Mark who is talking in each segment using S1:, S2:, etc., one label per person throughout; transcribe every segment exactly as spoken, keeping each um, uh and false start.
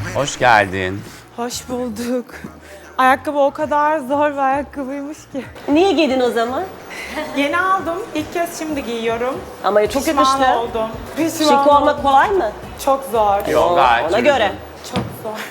S1: Hoş geldin.
S2: Hoş bulduk. Ayakkabı o kadar zor bir ayakkabıymış ki.
S3: Niye giydin o zaman?
S2: Yeni aldım. İlk kez şimdi giyiyorum.
S3: Ama çok
S2: Pişman
S3: yakıştı.
S2: oldum. Pişman
S3: Şık olmak
S2: oldum.
S3: kolay mı?
S2: Çok zor.
S1: Yok, gayet
S3: Ona
S1: uygun.
S3: göre.
S2: Çok zor.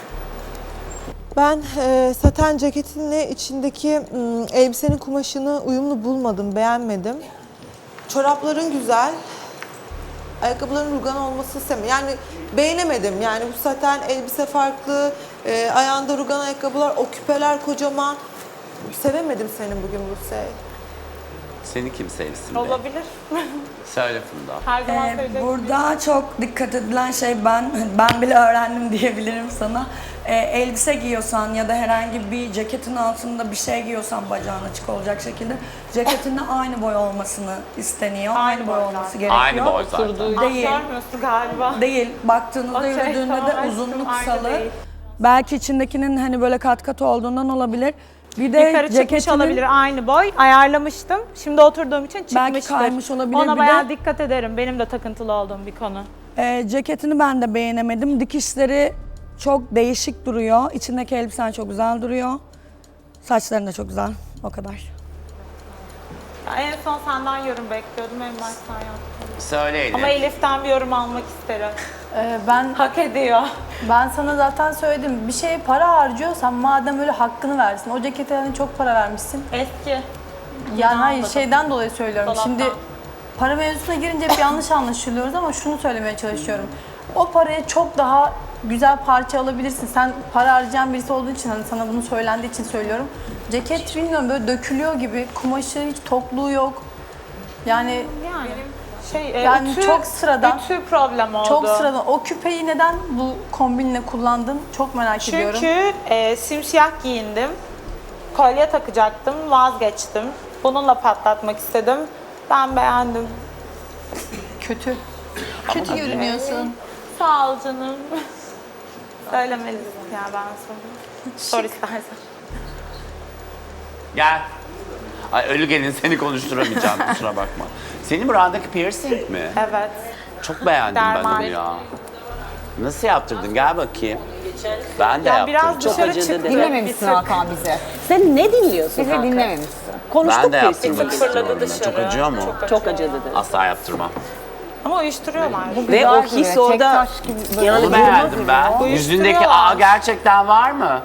S4: Ben e, saten ceketinle içindeki m, elbisenin kumaşını uyumlu bulmadım, beğenmedim. Çorapların güzel, ayakkabıların rugan olması istemiyorum. Yani beğenemedim. Yani bu saten elbise farklı, e, ayağında rugan ayakkabılar, o küpeler kocaman. Sevemedim seni bugün Buse.
S1: Seni kim sevsin be?
S2: Olabilir.
S1: Söyle Funda.
S2: Her zaman
S5: Ee,
S2: söyleyecek.
S5: burada çok dikkat edilen şey ben ben bile öğrendim diyebilirim sana. Ee, elbise giyiyorsan ya da herhangi bir ceketin altında bir şey giyiyorsan bacağın açık olacak şekilde ceketinde aynı boy olmasını isteniyor. Aynı,
S2: Aynı
S5: boy
S2: boy
S5: olması
S2: zaten.
S5: gerekiyor.
S1: Aynı boy zaten.
S5: Değil.
S2: Ah, görmüyorsun galiba.
S5: Değil. Baktığınızda
S2: Okey,
S5: yürüdüğünde
S2: tamam,
S5: de
S2: aşkım,
S5: uzunluk
S2: aynı
S5: kısalığı.
S2: değil.
S5: Belki içindekinin hani böyle kat kat olduğundan olabilir. Bir de
S2: Yukarı çıkmış
S5: ceketinin
S2: olabilir aynı boy. Ayarlamıştım. Şimdi oturduğum için çıkmıştır.
S5: Belki kaymış olabilir.
S2: Ona
S5: Bir
S2: bayağı
S5: de-
S2: dikkat ederim. Benim de takıntılı olduğum bir konu.
S5: Ee, ceketini ben de beğenemedim. Dikişleri çok değişik duruyor. İçindeki elbisen çok güzel duruyor. Saçların da çok güzel. O kadar.
S2: Ya en son senden yorum bekliyordum. En baştan yaptım.
S1: Söyleyin.
S2: Ama Elif'ten bir yorum almak isterim.
S6: Ee, ben
S2: Hak ediyor.
S6: ben sana zaten söyledim. Bir şeye para harcıyorsan madem öyle hakkını versin. O cekete hani çok para vermişsin.
S2: Eski.
S6: Yani hayır
S2: almadım.
S6: şeyden dolayı söylüyorum.
S2: Dolaptan.
S6: Şimdi para mevzusuna girince hep yanlış anlaşılıyoruz ama şunu söylemeye çalışıyorum. O paraya çok daha güzel parça alabilirsin. Sen para harcayan birisi olduğu için hani sana bunu söylendiği için söylüyorum. Ceket bilmiyorum böyle dökülüyor gibi. Kumaşı hiç tokluğu yok. Yani
S2: Yani şey, e,
S6: Yani
S2: ütü,
S6: çok sıradan.
S2: Ütü problem oldu.
S6: çok sıradan. O küpeyi neden bu kombinle kullandın? Çok merak ediyorum.
S2: Çünkü e, simsiyah giyindim. Kolye takacaktım, vazgeçtim. Bununla patlatmak istedim. Ben beğendim.
S6: Kötü.
S2: Kötü görünüyorsun. Sağ ol canım. Söylemelisin ya ben sonra. Sor istersen.
S1: Gel. Ay ölü gelin seni konuşturamayacağım kusura bakma. Senin buradaki piercing mi?
S2: Evet.
S1: Çok beğendim ben
S2: Dermal.
S1: onu ya. Nasıl yaptırdın? Gel bakayım. Ben de
S2: Ya
S1: yaptırdım.
S2: biraz
S3: Çok
S2: dışarı
S3: acıdı
S2: çıktım.
S3: dedi.
S7: Dinlememişsin
S2: Bir tık.
S7: Hakan bize.
S3: Sen ne dinliyorsun
S7: Bizi
S3: Hakan?
S7: dinlememişsin.
S3: Konuştuk
S1: Ben de
S3: piercing.
S1: yaptırmak
S2: Fırladı
S1: istiyorum.
S2: dışarı.
S1: Çok acıyor mu?
S3: Çok acıdı dedi.
S1: Asla yaptırmam.
S2: Ama uyuşturuyorlar.
S3: Ve o
S7: Güzel
S3: his
S7: duruyor,
S3: orada
S7: tek taş gibi böyle.
S3: yani
S1: Onu
S3: ben
S1: beğendim ben. Yüzündeki
S2: Uyuşturuyorlar.
S1: aa gerçekten var mı?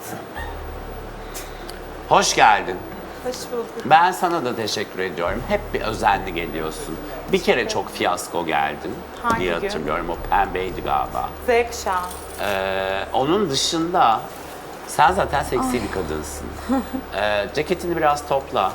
S1: Hoş geldin.
S2: Hoş bulduk.
S1: Ben sana da teşekkür ediyorum. Hep bir özenli geliyorsun. Bir kere çok fiyasko geldin
S2: Hangi
S1: diye
S2: gün?
S1: hatırlıyorum. O pembeydi galiba.
S2: Z kuşağı.
S1: Ee, onun dışında sen zaten seksi bir kadınsın. Ee, ceketini biraz topla.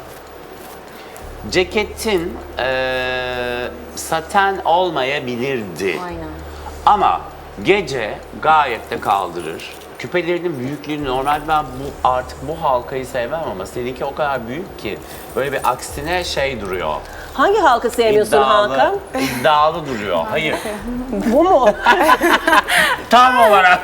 S1: Ceketin ee, saten olmayabilirdi.
S7: Aynen.
S1: Ama gece gayet de kaldırır. Küpelerinin büyüklüğünü normal ben bu artık bu halkayı sevmem ama seninki o kadar büyük ki böyle bir aksine şey duruyor.
S3: hangi halkı sevmiyorsun
S1: İddialı,
S3: Hakan?
S1: iddialı duruyor. Hayır.
S3: Bu mu?
S1: Tam olarak.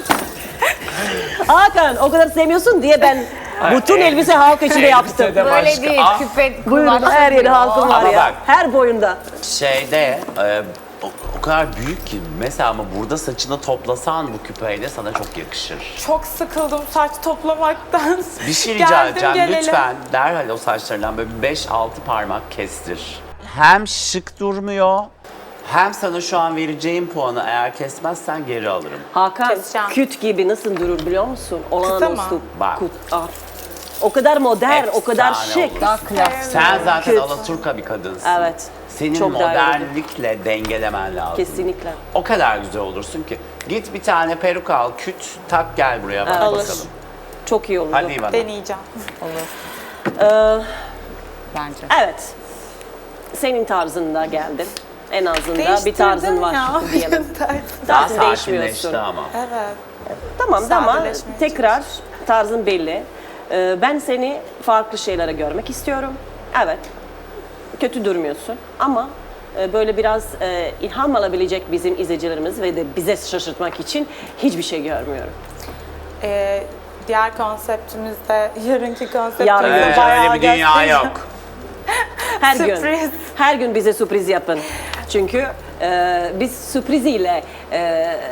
S3: Hakan o kadar sevmiyorsun diye ben bütün elbise halk içinde yaptım.
S1: Elbise de
S7: Böyle
S1: başka.
S7: değil,
S1: Ah,
S7: küpe
S3: Buyurun
S7: kulak
S3: her yeri halkım var
S1: Ama
S3: ya.
S1: bak.
S3: Her boyunda.
S1: Şeyde e, o, o kadar büyük ki mesela ama burada saçını toplasan bu küpeyle sana çok yakışır.
S2: Çok sıkıldım saç toplamaktan.
S1: Bir şey rica
S2: Geldim,
S1: edeceğim
S2: gelelim.
S1: lütfen derhal o saçlarından böyle beş altı parmak kestir. Hem şık durmuyor hem sana şu an vereceğim puanı eğer kesmezsen geri alırım.
S3: Hakan
S2: Keseceğim.
S3: küt gibi nasıl durur biliyor musun? Olağanüstü
S2: mı?
S1: Bak.
S3: küt. Ah. O kadar modern, o kadar
S1: Efsane
S3: şık.
S1: olur.
S7: Daha klasik.
S1: Sen zaten
S3: Küt.
S1: Alaturka bir kadınsın.
S3: Evet.
S1: Senin
S3: Çok daha iyi olur.
S1: modernlikle dengelemen lazım.
S3: Kesinlikle.
S1: O kadar güzel olursun ki. Git bir tane peruk al, küt, tak gel buraya bak
S2: Alır.
S1: bakalım.
S3: Çok iyi oldu.
S1: Hadi İvan.
S2: Deneyeceğim.
S3: Ee,
S7: Bence.
S3: evet. Senin tarzında geldim. En azından bir
S2: Değiştirdim
S3: tarzın var
S2: ya.
S3: diyelim.
S1: Daha
S3: Tarzın değişmiyorsun.
S1: sakinleşti ama.
S2: Evet.
S3: Tamam ama
S2: Sadeleşmeye
S3: tekrar tarzın belli. Ee, ben seni farklı şeylere görmek istiyorum. Evet. Kötü durmuyorsun ama e, böyle biraz e, ilham alabilecek bizim izleyicilerimiz ve de bize şaşırtmak için hiçbir şey görmüyorum.
S2: Ee, diğer konseptimizde, yarınki
S3: Yarın
S2: konseptimizde
S3: göreceğiz.
S2: bayağı
S1: Öyle bir dünya
S2: göstereceğim.
S1: yok.
S3: Her gün.
S2: Sürpriz.
S3: Her gün bize sürpriz yapın. Çünkü e, biz sürpriziyle e,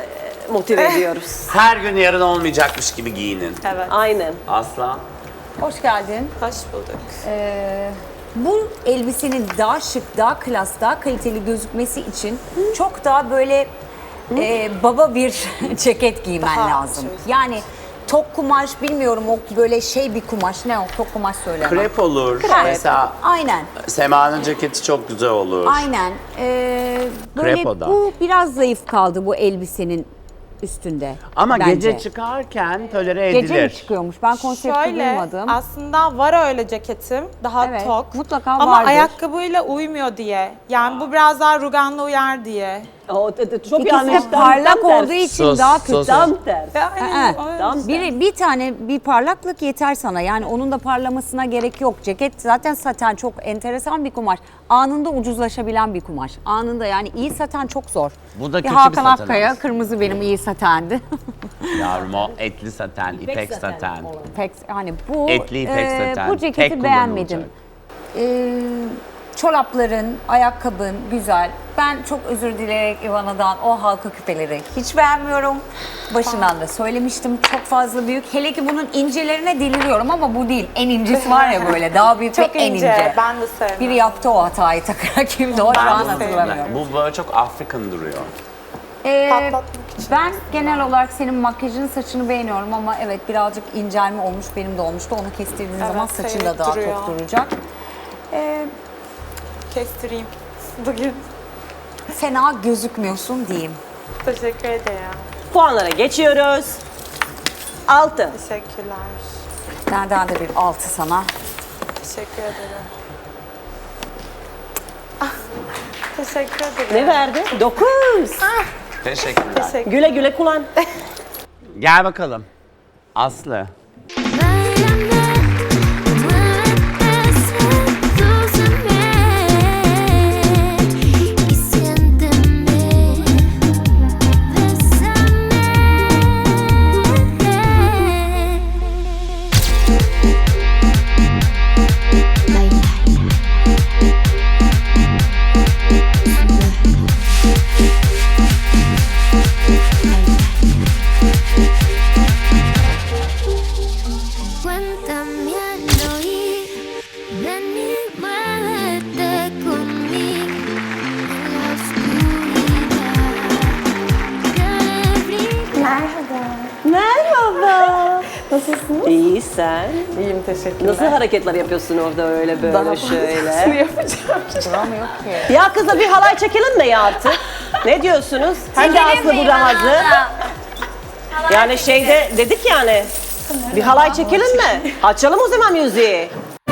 S3: motive ediyoruz.
S1: Her gün yarın olmayacakmış gibi giyinin.
S2: Evet.
S3: Aynen.
S1: Aslan.
S7: Hoş geldin.
S2: Hoş bulduk.
S7: Ee, bu elbisenin daha şık, daha klas, daha kaliteli gözükmesi için çok daha böyle e, baba bir ceket giymen
S2: Daha
S7: lazım.
S2: şey-
S7: Yani tok kumaş bilmiyorum o böyle şey bir kumaş ne o tok kumaş söyleme.
S1: Krep olur.
S7: Krep.
S1: Mesela
S7: Aynen.
S1: Sema'nın ceketi çok güzel olur.
S7: Aynen. Ee, böyle
S1: Krepoda.
S7: bu biraz zayıf kaldı bu elbisenin üstünde.
S1: Ama
S7: bence.
S1: gece çıkarken tolere edilir.
S7: Gece mi çıkıyormuş? Ben konsepti
S2: Şöyle,
S7: duymadım.
S2: aslında var öyle ceketim. Daha
S7: Evet,
S2: tok.
S7: mutlaka
S2: Ama
S7: vardır.
S2: ayakkabıyla uymuyor diye. Yani bu biraz daha ruganla uyar diye.
S3: O, t- t- çok
S7: İkisi
S3: yanlış.
S7: de
S3: Tam-
S7: parlak
S3: tam
S7: olduğu
S3: tersi.
S7: için
S1: Sus,
S7: daha kötü.
S1: sus.
S3: Tam tersi.
S2: Aynen,
S7: Aa,
S2: o yüzden.
S3: Tam
S7: Bir, bir tane bir parlaklık yeter sana. Yani onun da parlamasına gerek yok. Ceket zaten saten çok enteresan bir kumaş. Anında ucuzlaşabilen bir kumaş. Anında yani iyi saten çok zor.
S1: Bu da kötü bir
S7: Hakan
S1: saten
S7: Akkaya
S1: aslında.
S7: kırmızı benim iyi satendi.
S1: Yavrum o etli saten, ipek saten.
S7: Pek hani bu
S1: Etli ipek
S7: e,
S1: saten.
S7: bu ceketi
S1: Tek
S7: beğenmedim.
S1: kullanılacak.
S7: Ee, çorapların, ayakkabın güzel. Ben çok özür dileyerek Ivana'dan o halka küpeleri hiç beğenmiyorum. Başından da söylemiştim çok fazla büyük. Hele ki bunun incelerine deliriyorum ama bu değil. En incesi var ya böyle daha büyük
S2: Çok
S7: ve en
S2: ince.
S7: ince.
S2: Ben de sevmem.
S7: Biri yaptı o hatayı takarak kimdi o şu
S2: Ben
S7: an
S2: de sevmem.
S7: hatırlamıyorum.
S1: Bu böyle çok African duruyor.
S7: Ee,
S2: Patlatmak için
S7: ben genel olarak senin makyajın saçını beğeniyorum ama evet birazcık incelme olmuş benim de olmuştu. Onu kestirdiğin
S2: Evet,
S7: zaman saçın da
S2: seyrek
S7: daha
S2: duruyor.
S7: tok duracak. Ee,
S2: Kestireyim bugün.
S7: fena gözükmüyorsun diyeyim.
S2: Teşekkür ederim.
S3: Puanlara geçiyoruz. Altı.
S2: Teşekkürler.
S7: Nereden de bir altı sana.
S2: Teşekkür ederim. Ah, teşekkür ederim.
S3: Ne verdi? Dokuz.
S1: Teşekkürler.
S2: Teşekkür.
S3: Güle güle kullan.
S1: Gel bakalım. Aslı.
S8: Báilame, muévete, sedúceme y siénteme, cuéntame al oír, ven y muévete conmigo en la oscuridad.
S3: Merhaba. Nasılsın? İyi sen.
S2: İyiyim, teşekkürler.
S3: Nasıl hareketler yapıyorsun orada öyle böyle
S2: Daha
S3: şöyle?
S2: fazlasını yapacağım.
S7: Duramıyor ki.
S3: Ya kızla bir halay çekelim mi ya artık? Ne diyorsunuz? Sen de Aslı burada hazır. Yani şeyde dedik yani. Bir halay çekelim mi? Açalım o zaman müziği.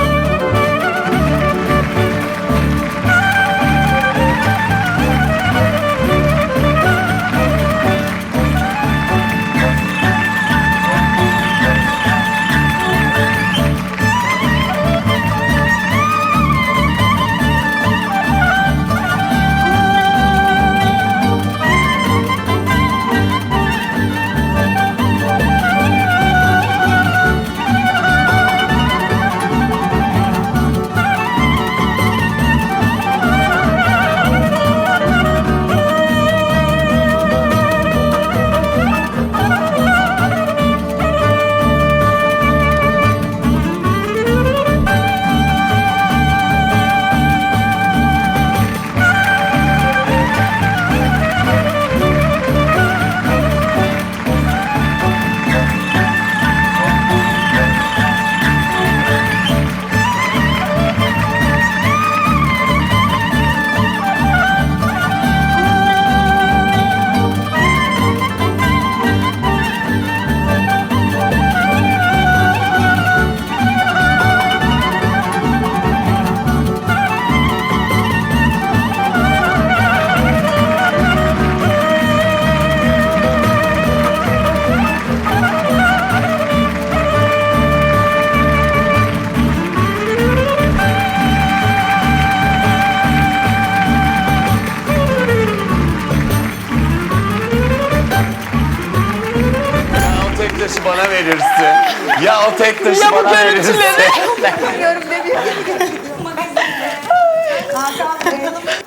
S1: Ya o tek taşı bana verirsin. Ya o tek taşı bana verirsin.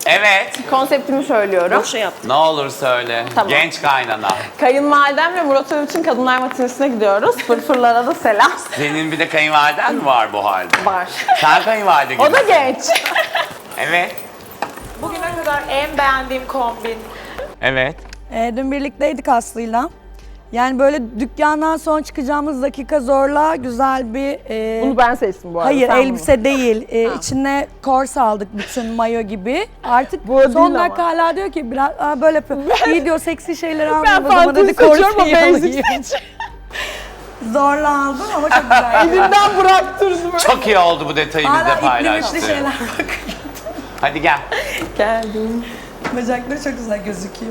S1: Evet.
S9: Konseptimi söylüyorum.
S3: Boş şey yaptım.
S1: Ne olur söyle.
S9: Tamam.
S1: Genç kaynana.
S9: Kayınvalidem ve Murat Övüç'ün kadınlar matinesine gidiyoruz. Fırfırlara da selam.
S1: Senin bir de kayınvaliden mi var bu halde?
S9: Var.
S1: Sen kayınvalide gibisin.
S9: O da genç.
S1: Evet.
S2: Bugüne kadar en beğendiğim kombin.
S1: Evet.
S5: Ee, dün birlikteydik Aslı'yla. Yani böyle dükkandan son çıkacağımız dakika zorla güzel bir... e,
S9: Bunu ben seçtim bu arada.
S5: Hayır
S9: sen
S5: elbise değil. Ee, içine kors aldık bütün mayo gibi. Artık
S9: Bu
S5: son
S9: değil
S5: dakika hala diyor ki biraz aa, böyle yapıyor. İyi diyor seksi şeyler
S9: Ben
S5: almayayım o zaman
S9: fantezi
S5: hadi
S9: seçiyorum, o
S5: korseyi
S9: basic
S5: alayım. Zorla aldım ama çok güzel.
S9: Elimden bıraktırdım.
S1: Çok iyi oldu bu detayı
S5: Hala
S1: bizle
S5: ipli
S1: paylaştın.
S5: müpli şeyler bak.
S1: Hadi gel.
S9: Geldim.
S5: Bacakları çok güzel gözüküyor.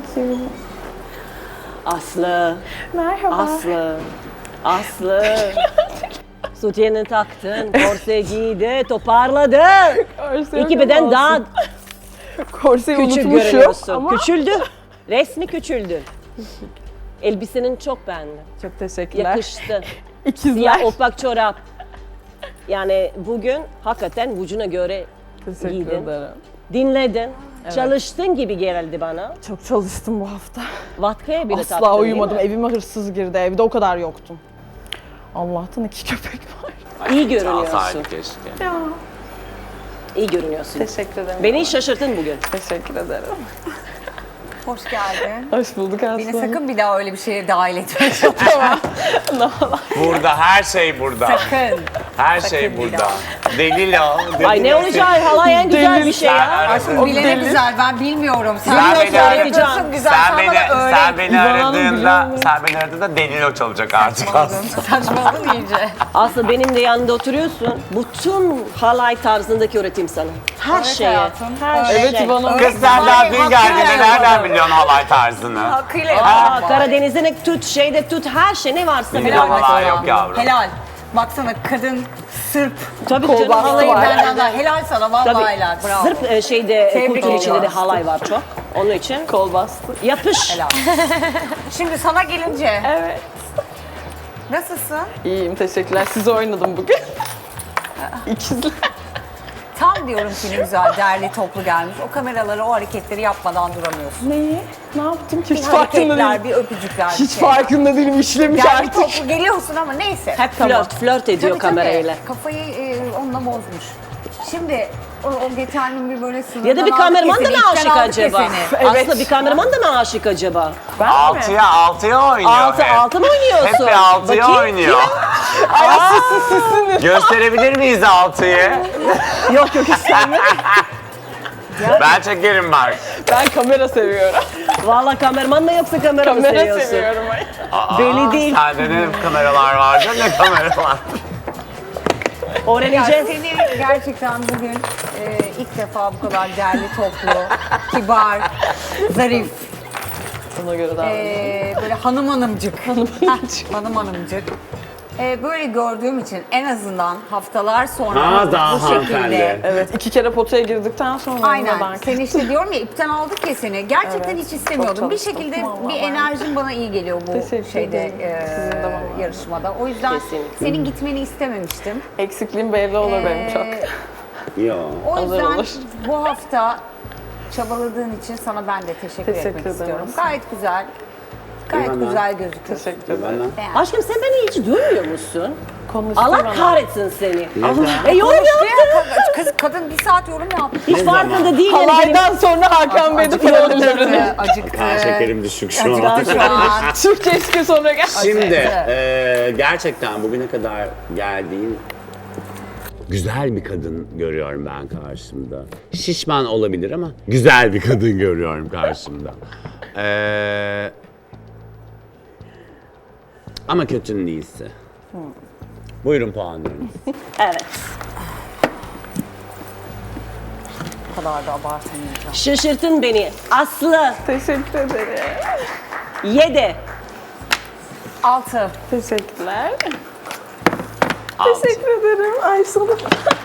S3: Aslı,
S9: Merhaba.
S3: Aslı, Aslı. Sütyeni taktın, korse giydi, toparladı. İki beden daha
S9: Korseyi
S3: küçük
S9: unutmuşum
S3: görünüyorsun.
S9: ama.
S3: Küçüldü. Resmi küçüldü. Elbisenin çok beğendim.
S9: Çok teşekkürler.
S3: Yakıştı.
S9: İkizler.
S3: Siyah opak çorap. Yani bugün hakikaten vücuduna göre
S9: Teşekkür
S3: giydin.
S9: ederim.
S3: Dinledin. Çalıştın gibi geldi bana.
S9: Çok çalıştım bu hafta.
S3: Vatkaya bile
S9: Asla
S3: taktın değil
S9: uyumadım.
S3: mi?
S9: Evime hırsız girdi. Evde o kadar yoktum. Allah'tan iki köpek var.
S3: İyi görünüyorsun.
S1: Çalsaydı keşke.
S3: İyi görünüyorsun.
S9: Teşekkür ederim.
S3: Beni şaşırttın bugün.
S9: Teşekkür ederim.
S7: Hoş geldin.
S9: Hoş bulduk Aslı.
S7: Beni sakın bir daha öyle bir şeye dahil etme.
S1: Burada her şey burada.
S7: Sakın.
S1: Her şey
S7: bir
S1: burada.
S7: daha.
S1: Delil o.
S3: Ay ne olacak? Halay en güzel bir şey
S1: Sen
S3: ya.
S1: aradın.
S7: Bilene güzel, ben bilmiyorum. Sen,
S1: Sen
S7: nasıl
S1: beni aradın.
S7: yapıyorsun güzel,
S1: Sen
S7: sen
S1: beni,
S7: bana öğret.
S1: sen beni
S9: İvan Hanım biliyor
S1: aradığında,
S9: mu?
S1: sen beni aradığında Delilo çalacak artık aslında.
S7: Saçmaladın iyice.
S3: Aslında benim de yanında oturuyorsun. Bütün halay tarzındaki öğretim sana. Her
S7: Evet
S3: şeye.
S7: hayatım.
S3: Her
S9: Evet
S3: şey.
S9: İvan Hanım.
S1: Kız sen daha dün
S7: Hakkıyla
S1: geldiğinde nereden
S7: yapalım.
S1: biliyorsun halay tarzını?
S7: Hakkıyla
S3: Aa,
S7: yapalım.
S3: Karadeniz'de tut, şeyde tut, her şey ne varsa
S1: Bizde
S3: helal.
S1: halay yok yavrum.
S7: Helal. Baksana kadın Sırp.
S3: Tabii canım
S9: Kolbastı
S3: halay
S9: var.
S7: Benden daha helal sana vallahi helal. Bravo.
S3: Sırp e, şeyde
S7: Tebrik
S3: kültür içinde de
S7: ediyorum.
S3: halay var çok. Onun için
S9: Kol bastı.
S3: yapış.
S7: Helal. Şimdi sana gelince.
S9: Evet.
S7: Nasılsın?
S9: İyiyim teşekkürler. Sizi oynadım bugün. İkizler.
S7: Tam diyorum ki ne güzel derli toplu gelmiş. O kameraları, o hareketleri yapmadan duramıyorsun.
S9: Neyi? Ne yaptım ki?
S7: Bir
S9: Hiç farkında
S7: hareketler,
S9: değilim.
S7: bir öpücükler, bir
S9: Hiç
S7: şeyler.
S9: farkında değilim. İşlemiş
S7: Derli
S9: artık.
S7: toplu geliyorsun ama neyse.
S3: Hep flört, flört ediyor
S7: Tabii, tabii.
S3: kamerayla.
S7: Kafayı e, onunla bozmuş. Şimdi o, o geçen bir böyle sınırdan
S3: Ya da bir
S7: aldık
S3: kameraman da
S7: seni,
S3: mı
S7: ipten
S3: aşık
S7: aldık
S3: acaba?
S7: ya seni.
S9: Evet.
S3: Aslında bir kameraman da mı aşık acaba?
S9: Ben mi?
S1: Altıya altıya oynuyor
S3: Altı,
S1: hep.
S3: altı mı oynuyorsun?
S1: Hep bir altıya
S3: Bakayım.
S1: oynuyor. Gösterebilir miyiz altıyı?
S9: Yok yok istemem.
S1: Ben çekerim bak.
S9: Ben kamera seviyorum.
S3: Valla kameraman mı yoksa kamera mı
S9: Kamera
S3: seviyorsun?
S9: seviyorum. Ay.
S1: Aa,
S3: Belli değil.
S1: Sende ne kameralar vardı ne kameralar.
S7: Ya
S3: Öğreneceğiz.
S7: seni gerçekten bugün e, ilk defa bu kadar derli toplu, kibar, zarif,
S9: Ona göre daha.
S7: e, böyle hanım hanımcık. Hanım hanımcık. hanım hanımcık. E, böyle gördüğüm için en azından haftalar sonra
S1: Ha, daha
S7: bu şekilde.
S1: hanımefendi.
S9: Evet iki kere potaya girdikten sonra
S7: Aynen.
S9: ben
S7: Seni işte diyorum ya ipten aldık ya seni. Gerçekten
S9: Evet,
S7: hiç
S9: çok
S7: istemiyordum. Bir
S9: çalıştım.
S7: şekilde
S9: Vallahi
S7: bir
S9: ben-
S7: enerjin bana iyi geliyor bu
S9: Teşekkür
S7: şeyde
S9: ederim.
S7: e,
S9: Sizin de bana.
S7: yarışmada. O yüzden
S3: Kesinlikle.
S7: senin gitmeni istememiştim.
S9: eksikliğim belli olur benim çok.
S7: Ee,
S1: Yo.
S7: O
S9: Olur,
S7: yüzden
S9: olur.
S7: bu hafta çabaladığın için sana ben de teşekkür,
S9: Teşekkür
S7: etmek
S9: ederim.
S7: istiyorum. Gayet güzel. Gayet
S1: Eyvallah.
S7: güzel gözüküyorsun.
S9: Teşekkür ederim.
S7: Beğendim.
S3: Aşkım sen beni hiç duymuyor musun?
S9: Konuştu
S3: Allah
S9: bana.
S3: kahretsin seni.
S1: Neden?
S3: E yorum yaptı.
S7: Kız, kadın bir saat yorum yaptı.
S3: Hiç farkında değil yani benim.
S9: Halaydan sonra Hakan Bey de paralellerine.
S7: Acıktı.
S1: Aa, şekerim düşük şu an.
S7: Acıktı şu an.
S9: Türkçe eski sonra gel.
S1: Şimdi
S7: Evet.
S1: eee, gerçekten bugüne kadar geldiğim güzel bir kadın görüyorum ben karşımda. Şişman olabilir ama güzel bir kadın görüyorum karşımda. Eee, ama kötünün iyisi. Buyurun puanlarınız.
S3: Evet.
S7: Bu kadar da abartamayacağım.
S3: Şaşırtın beni. Aslı
S9: Teşekkür ederim.
S3: yedi.
S7: Altı.
S9: Teşekkürler.
S1: Altı.
S9: Teşekkür ederim. Ay sana.